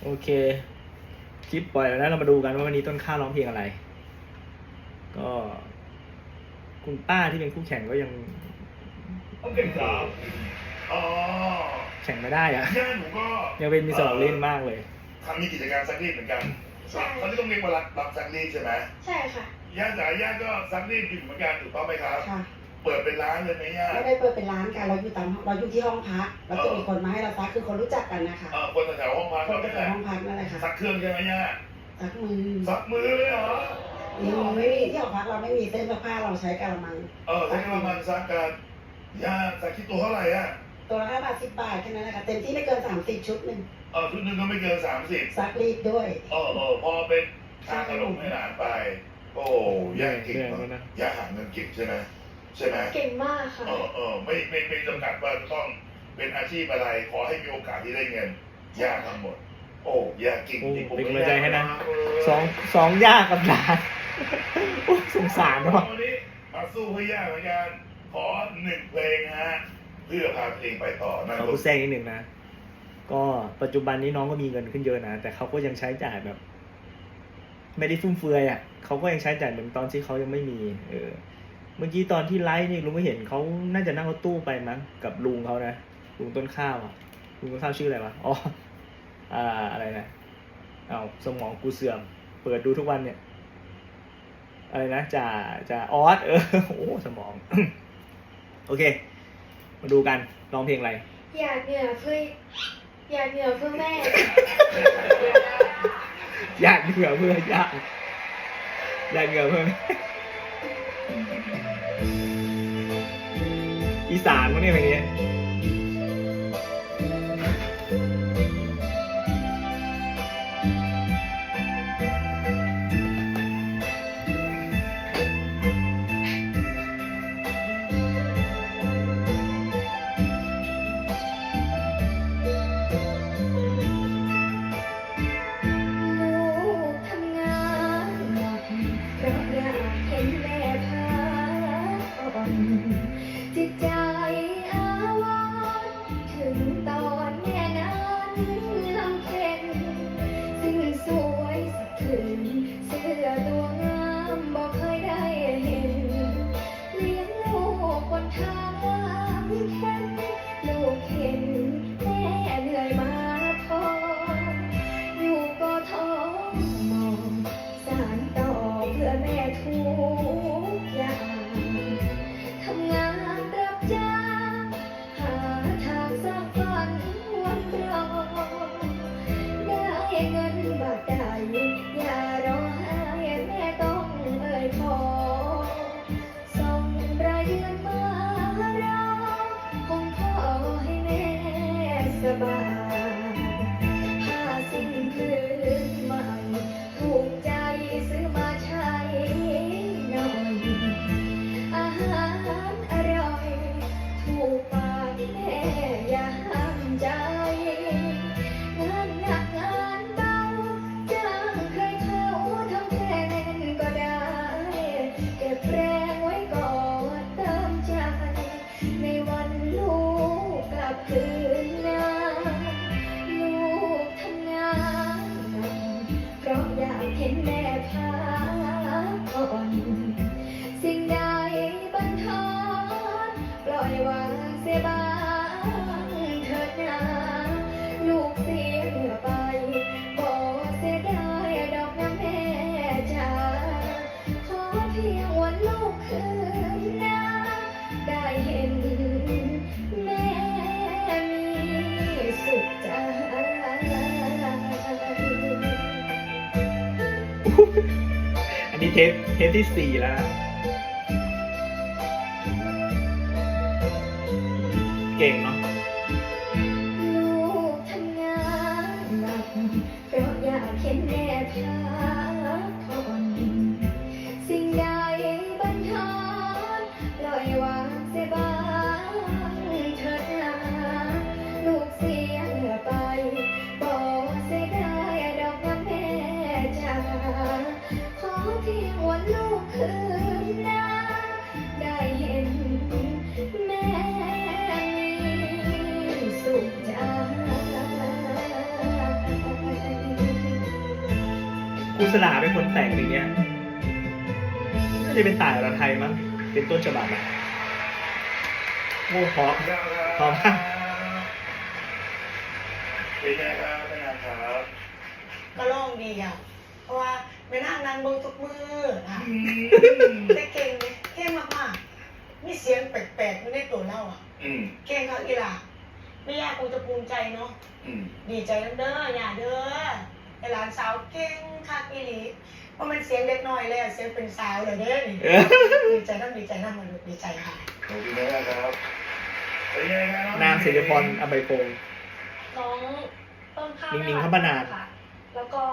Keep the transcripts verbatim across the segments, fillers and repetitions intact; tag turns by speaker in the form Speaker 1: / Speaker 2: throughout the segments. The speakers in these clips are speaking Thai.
Speaker 1: โอเคคลิปปล่อยแล้วนะเรามาดูกันว่าวันนี้ต้นข้าวร้องเพลงอะไรก็คุณป้าที่เป็นคู่แข่งก็ยังแข่งไม่ได้อะ
Speaker 2: ย่าหนูก็
Speaker 1: ยังเป็นมีสองเล่นมากเลย
Speaker 2: ทำมีกิจการซักรีดเหมือนกันใช่เขาที่ต้องเรียกว่ารับรับซักรีดใช่ไหม
Speaker 3: ใช่ค่ะ
Speaker 2: ย่าจ๋าย่าก็ซักรีดอยู่เหมือนกันถูกต้องไหมครับ
Speaker 3: ค่ะ
Speaker 2: เปิดเป็นร้านเลยไหมย่า
Speaker 3: ไม่ได้เปิดเป็นร้านค่ะเราอยู่ตามเราอยู่ที่ห้องพักแล้วจะมีคนมาให้เราซักคือคนรู้จักกันนะคะ
Speaker 2: เออคนแถวห้องพัก
Speaker 3: คนแถวห้องพักนั่นแหละค่ะ
Speaker 2: ซักเครื่องใช่ไหมย่า
Speaker 3: ซักมือ
Speaker 2: ซักมือเลยเหรอ
Speaker 3: ที่ห้องไม่มีที่ห้องพักเราไม่มีเส้นซักผ้าเราใช้กระมัง
Speaker 2: เออใช้กระมังซักกันย่าซักคิดตัวเท่าไหร่อ่ะ
Speaker 3: ตัวละห้าบาทสิบบาทแค่นั้นแหละค่ะเต็มที่ไม่เกินสามสิบชุดหนึ่ง
Speaker 2: เออชุดหนึ่งก็ไม่เกินสามสิบ
Speaker 3: ซักรีดด้วย
Speaker 2: เออเออพอเป็นค่าขนมให้หลานไปโอ้ย่าเก่งนะย่าหาเงินเก่งใช่ไหมใช่ไหม
Speaker 3: เก่งมากค่ะ
Speaker 2: เออเออไม่ไม่ไม่จำกัดว่าต้องเป็นอาชีพอะไรขอให้มีโอกาสที่ได้เงินย่าทำหมดโอ้ย่าเก่งจริง
Speaker 1: ผมเป็นกำลังใจให้นะสองสองย่ากับหลานสงสารเนาะ
Speaker 2: วันนี้มาสู้เพื่อย่าเหมือนกันขอหนึ่งเพลงฮะเพื่อพาเพลงไปต่อนะ
Speaker 1: ขอพูดแทรกนิดหนึ่งนะก็ปัจจุบันนี้น้องก็มีเงินขึ้นเยอะนะแต่เขาก็ยังใช้จ่ายแบบ ไม่ได้ฟุ่มเฟือยอ่ะเขาก็ยังใช้จ่ายเหมือนตอนที่เขายังไม่มีเออเมื่อกี้ตอนที่ไลฟ์นี่ลุงก็เห็นเขาน่าจะนั่งรถตู้ไปมั้งกับลุงเขานะลุงต้นข้าวอ่ะลุงต้นข้าวชื่ออะไรวะอ๋ออ่าอะไรนะเอาสมองกูเสื่อมเปิดดูทุกวันเนี่ยอะไรนะจ่าจ่าออสเออโอ้สมองโอเคมาดูกันร้องเพลงอะไร
Speaker 3: อยากเหนื่อยเพื่ออยากเหนื่อยเพื่อแม่
Speaker 1: อยากเหนื่อยเพื่อยากอยากเหนื่อยเพื่อแม่อีสานมั้งเนี่ยเพลงนี้
Speaker 3: จิตใจอาวรณ์ถึงตอนแม่นั้นลำเค็ญสิ่งสวยสะพรึงเสื้อตัวงามบอกเคยได้เห็นเลี้ยงลูกบนทางแค่ลูกเห็นแม่เหนื่อยมาพออยู่ก็ท้อมองสารต่อเพื่อแม่ทุกอย่างทำงานรับจ้างหาทางสร้างฝันวันรอได้เงินบาทใดอย่ารอให้แม่ต้องเอ่ยขอส่งรายเดือนมารอคงขอให้แม่สบายผ้าสิ้นพื้นใหม่ถูกใจซื้อมาใช้หน่อยอาหารอร่อยถูกปากแม่อย่าห้ามใจงานหนักงานเบาจ้างใครเขาทำแทนก็ได้เก็บแรงไว้ก่อนเติมใจในวันลูกกลับคืนนาลูกทำงานเพราะอยากเห็นแม่พักผ่อนสิ่งใดบันทอนปล่อยวางเสียบ้างเถิดนาลูกเสียเหงื่อไปบอกเสียได้ดอกน้ำแม่จ๋าขอเพียงวันลูกคืนนาได้เห็นแม่มีสุขใจ
Speaker 1: อันนี้เทปเทปที่สี่แล้วเก่งเนาะ
Speaker 3: ลูกทำงานหนักเพราะอยากเห็นแม่พักผ่อนสิ่งใดบันทอนปล่อยวางเสียบ้างเถิดนาลูกเสียเหงื่อไปบอกเสียได้ดอกน้ำแม่จ๋าขอเพียงวันลูกคืนนาได้เห็นแม่มี
Speaker 1: รุสลาเป็นคนแต่งอย่างเงี้ยน่าจะเป็นต่ายอรไทยมั้งเป็นต้นฉบับอ่ะโอ้เพราะ พร้อมครับ
Speaker 2: เป็นไงครับเป็นไงครับ
Speaker 4: ก็ร้องดีอ่ะ เพราะว่าไม่นั่งนั่งเบิ่งทุกมืออ่ะ
Speaker 2: อืม
Speaker 4: แต่เก่งเลยเก่งมากๆมีเสียงแปลกๆอยู่ในตัวเราอ่ะ
Speaker 2: อืม
Speaker 4: เก่งเขาอีหล่ะไม่ยากกูจะภูมิใจเนาะ
Speaker 2: อืม
Speaker 4: ดีใจน้ำเด้ออย่าเด้อไอ้หลานสาวเก่งคักอีหลีเพราะมันเสียงเด็กน้อยเลยอะเสียงเป็นสาวเลยเด้อนี่
Speaker 1: เออ
Speaker 4: ดีใจน้ำดีใจน้ำมันดีใจค่ะ
Speaker 2: ขอบคุณมากครับเป็นไงครับ
Speaker 1: นางศิริพรอภัยพงศ์
Speaker 3: น้องต้นข้าว
Speaker 1: นิ่งๆครับป้านาน
Speaker 3: ค่ะ แล้วก็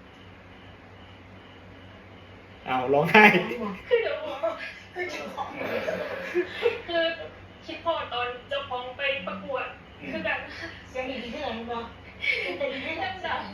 Speaker 1: เอาร้องไห้
Speaker 3: คือเดี๋ยวบอก
Speaker 4: คือจังหวะ
Speaker 3: คือคิดพอตอนเจะฟ้าของไปประกวด คือแบบ
Speaker 4: เสียงดีที่ไหนมั้งเป็นที่ไหนจ้ะ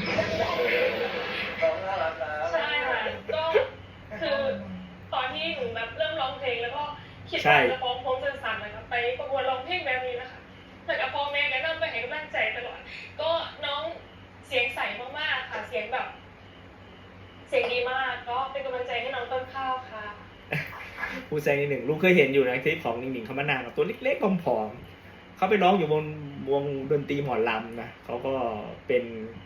Speaker 2: น้องน่ารักนะ
Speaker 3: ใช่ค่ะก็คือตอนที่หนูแบบเริ่มร้องเพลงแล้วก็คิด
Speaker 1: ใช่
Speaker 3: ว่าจะฟ้องโพสต์สั้นๆนะครับไปประกวดร้องเพลงแบบนี้นะคะแต่กับพ่อแม่ก็นำไปให้กำลังใจตลอดก็น้องเสียงใสมากๆค่ะเสียงแบบ เสียงดีมากก็เป็นกำลังใจให้น้องต้นข้าวค่ะ
Speaker 1: ผู้แสดงนิดหนึ่งลุงเคยเห็นอยู่ในคลิปของหนิ่งๆคำมานานตัวเล็กๆผอมๆเขาไปร้องอยู่บนวงดนตรีหมอลำนะเขาก็เป็น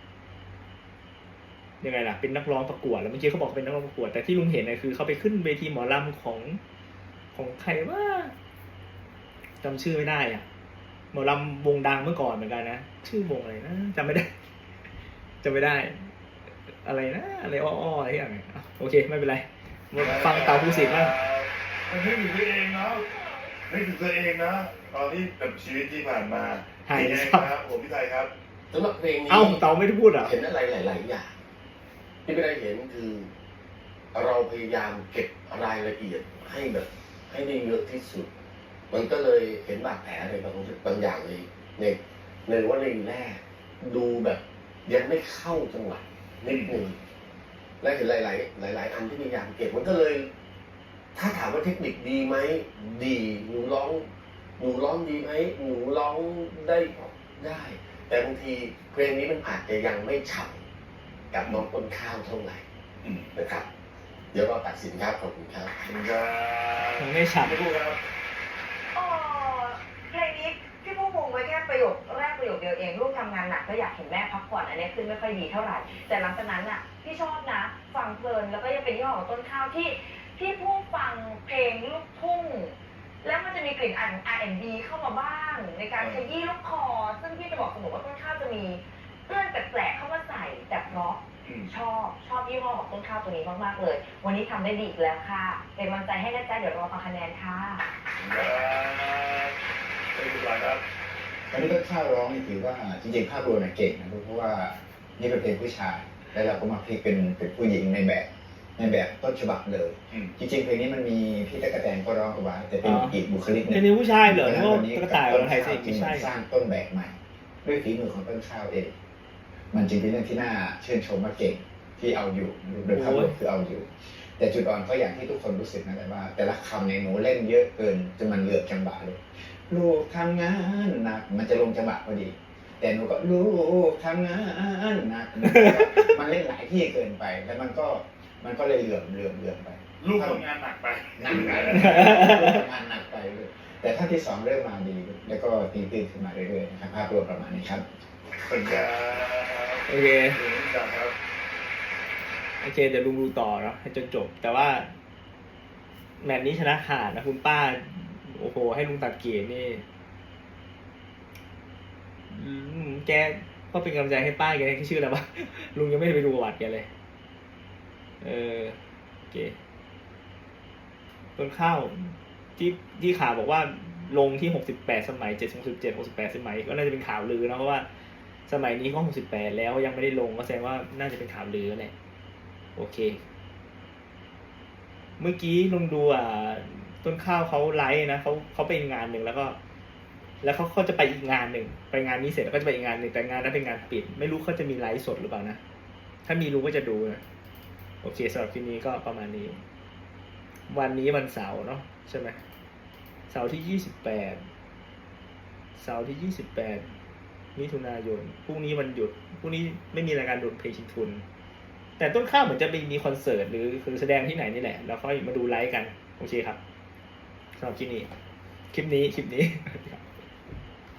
Speaker 1: ยังไงล่ะเป็นนักร้องประกวดแล้วเมื่อกี้เขาบอกเป็นนักร้องประกวดแต่ที่ลุงเห็นนะคือเขาไปขึ้นเวทีหมอลำของของใครว่าจำชื่อไม่ได้อ่ะหมอลำวงดังเมื่อก่อนเหมือนกันนะชื่อวงอะไรนะจำไม่ได้จำไม่ได้ อะไรนะอะไรอ้อๆอะไรอย่างเงี้ยอ่ะโอเคไม่เป็นไรมาฟังเต่าภูสิทธิ์บ้าง
Speaker 2: มันนึกถึงตัวเองเนาะนึกถึงตัวเองนะตอนที่แบบชีวิตที่ผ่านมา
Speaker 1: หาย
Speaker 2: เป็นไง
Speaker 1: ครับ
Speaker 2: ครับผมพี่ไทยครับ
Speaker 5: สำหรับเพลงนี้
Speaker 1: เอ้าเต่าไม่ได้พูดเหรอ
Speaker 5: เห็นอะไรหลาย ๆ อย่างที่ไม่ได้เห็นคือ เราพยายามเก็บรายละเอียดให้แบบ ให้ได้เยอะที่สุด มันก็เลยเห็นบาดแผลอะไรบางบางอย่างเลยในในว่าในแรกดูแบบยังไม่เข้าจังหวะนิดนึงและเห็นหลาย ๆ หลาย ๆ อันที่พยายามเก็บมันก็เลย ถ้าถามว่าเทคนิคดีไหมดีหนูร้อง หนูร้องดีไหมหนูร้องได้ได้ แต่บางทีเพลงนี้มันอาจจะยังไม่ฉ่ำกับน้องต้นข้าวเท่าไหร่
Speaker 2: อืม
Speaker 5: นะครับ เดี๋ยวเราตัดสินครับขอบคุณครับ
Speaker 2: ขอบคุณครับ
Speaker 1: ยังไม่ฉับ
Speaker 2: ไม่พูดครับ
Speaker 6: เอ่อเพลงนี้พี่ผู้พงไว้แค่ประโยคแรกประโยคเดียวเองลูกทำงานหนักก็อยากเห็นแม่พักผ่อนอันนี้ขึ้นไม่ค่อยดีเท่าไหร่แต่หลังจากนั้นอ่ะพี่ชอบนะฟังเพลินแล้วก็ยังเป็นยี่ห้อของต้นข้าวที่ที่ผู้ฟังเพลงลูกทุ่งแล้วมันจะมีกลิ่นอายของ อาร์ แอนด์ บี เข้ามาบ้าง ในการขยี้ลูกคอ ซึ่งพี่จะบอกเสมอว่าต้นข้าวจะมีเอื้อนแปลกๆเข้ามาใส่แต่เพราะ
Speaker 2: อืม
Speaker 6: ชอบชอบยี่ห้อของต้นข้าวตัวนี้มากๆเลย วันนี้ทำได้ดีอีกแล้วค่ะเป็นกำลังใจให้นะจ๊ะเดี๋ยวรอฟังคะแนนค่ะ
Speaker 2: ครับเป็นคุณครับ
Speaker 7: ตอนนี้ต้นข้าวร้องนี่ถือว่าจริงๆภาพรวมเนี่ยเก่งนะเพราะว่านี่เป็นเพลงผู้ชายแล้วเราก็มาพลิกเป็นเป็นผู้หญิงในแบบในแบบต้นฉบับเลย
Speaker 2: อืม
Speaker 7: จริงๆเพลงนี้มันมีพี่ตะกะแตนก็ร้องเอาไว้แต่เป็นอีกบุคลิกห
Speaker 1: เป็
Speaker 7: นึ่
Speaker 1: น
Speaker 7: ง
Speaker 1: นิ้วผู้ชายเหรอ
Speaker 7: เพ
Speaker 1: นึ
Speaker 7: ราะ
Speaker 1: ก
Speaker 7: ฉะ
Speaker 1: ว่า
Speaker 7: นั้นวันนี้
Speaker 1: กระต่าย
Speaker 7: ต้
Speaker 1: อรไทยสิ
Speaker 7: จึ
Speaker 1: ไม่
Speaker 7: ง
Speaker 1: ใช่
Speaker 7: สร้างต้นแบบใหม่ ด้วยฝีมือของต้นข้าวเอง มันจึงเป็นเรื่องที่น่าชื่นชมว่าเก่งที่เอาอยู่โดยภาพรวมคือเอาอยู่ แต่จุดอ่อนก็อย่างที่ทุกคนรู้สึกนะแต่ว่า แต่ละคำในยหนูเล่นเยอะเกินจนมันเหลือบจังหวะเลยลูกทำงานหนักมันจะลงจังหวะพอดี แต่หนูก็ลูกทำงานหนักมันเล่นหลายที่เกินไป แล้วมันก็มันก็เลยเหลื่อมเหลื่อมเหลื่อมไป
Speaker 2: ลูกทำงานหนักไป
Speaker 7: หนักไปทำงานหนักไปเลยแต่ถ้าที่สองเริ่มมาดี แล้วก็ตีตื้นขึ้นมาเรื่อยๆนะครับภาพรวมประมาณนี้ครับ
Speaker 2: ขอบคุณครับ
Speaker 1: โอเค
Speaker 2: ขอบคุณครับ
Speaker 1: โอเคเดี๋ยวลุงดูต่อเนาะให้จนจบ แต่ว่าแมตช์นี้ชนะขาดนะคุณป้า โอ้โห ให้ลุงตัดเกมนี่อืมแกก็เป็นกำลังใจให้ป้าแกแค่ชื่ออะไรวะ ลุงยังไม่ได้ไปดูประวัติแกเลย เออโอเคต้นข้าวที่ที่ข่าวบอกว่าลงที่หกสิบแปดสมัยเจ็ดหกสิบเจ็ดหกสิบแปดสมัยก็น่าจะเป็นข่าวลือนะเพราะว่าสมัยนี้ก็หกสิบแปดแล้วยังไม่ได้ลงก็แสดงว่าน่าจะเป็นข่าวลือแหละโอเค เมื่อกี้ลงดูอ่ะต้นข้าวเขาไลฟ์นะเขาเขาไปงานหนึ่งแล้วก็ แล้วเขาเขาจะไปอีกงานหนึ่งไปงานนี้เสร็จแล้วก็จะไปอีกงานหนึ่งแต่งานนั้นเป็นงานปิด ไม่รู้เขาจะมีไลฟ์สดหรือเปล่านะถ้ามีรู้ก็จะดูนะโอเคสำหรับคลิปนี้ก็ประมาณนี้ วันนี้วันเสาร์เนาะใช่ไหมเสาร์ที่ยี่สิบแปดเสาร์ที่ยี่สิบแปดมิถุนายนพรุ่งนี้วันหยุดพรุ่งนี้ไม่มีรายการโดนเพลงชิงทุนแต่ต้นข้าวเหมือนจะไปมีคอนเสิร์ตหรือคือแสดงที่ไหนนี่แหละแล้วค่อยมาดูไลฟ์กันโอเคครับสำหรับคลิปนี้คลิปนี้คลิปนี้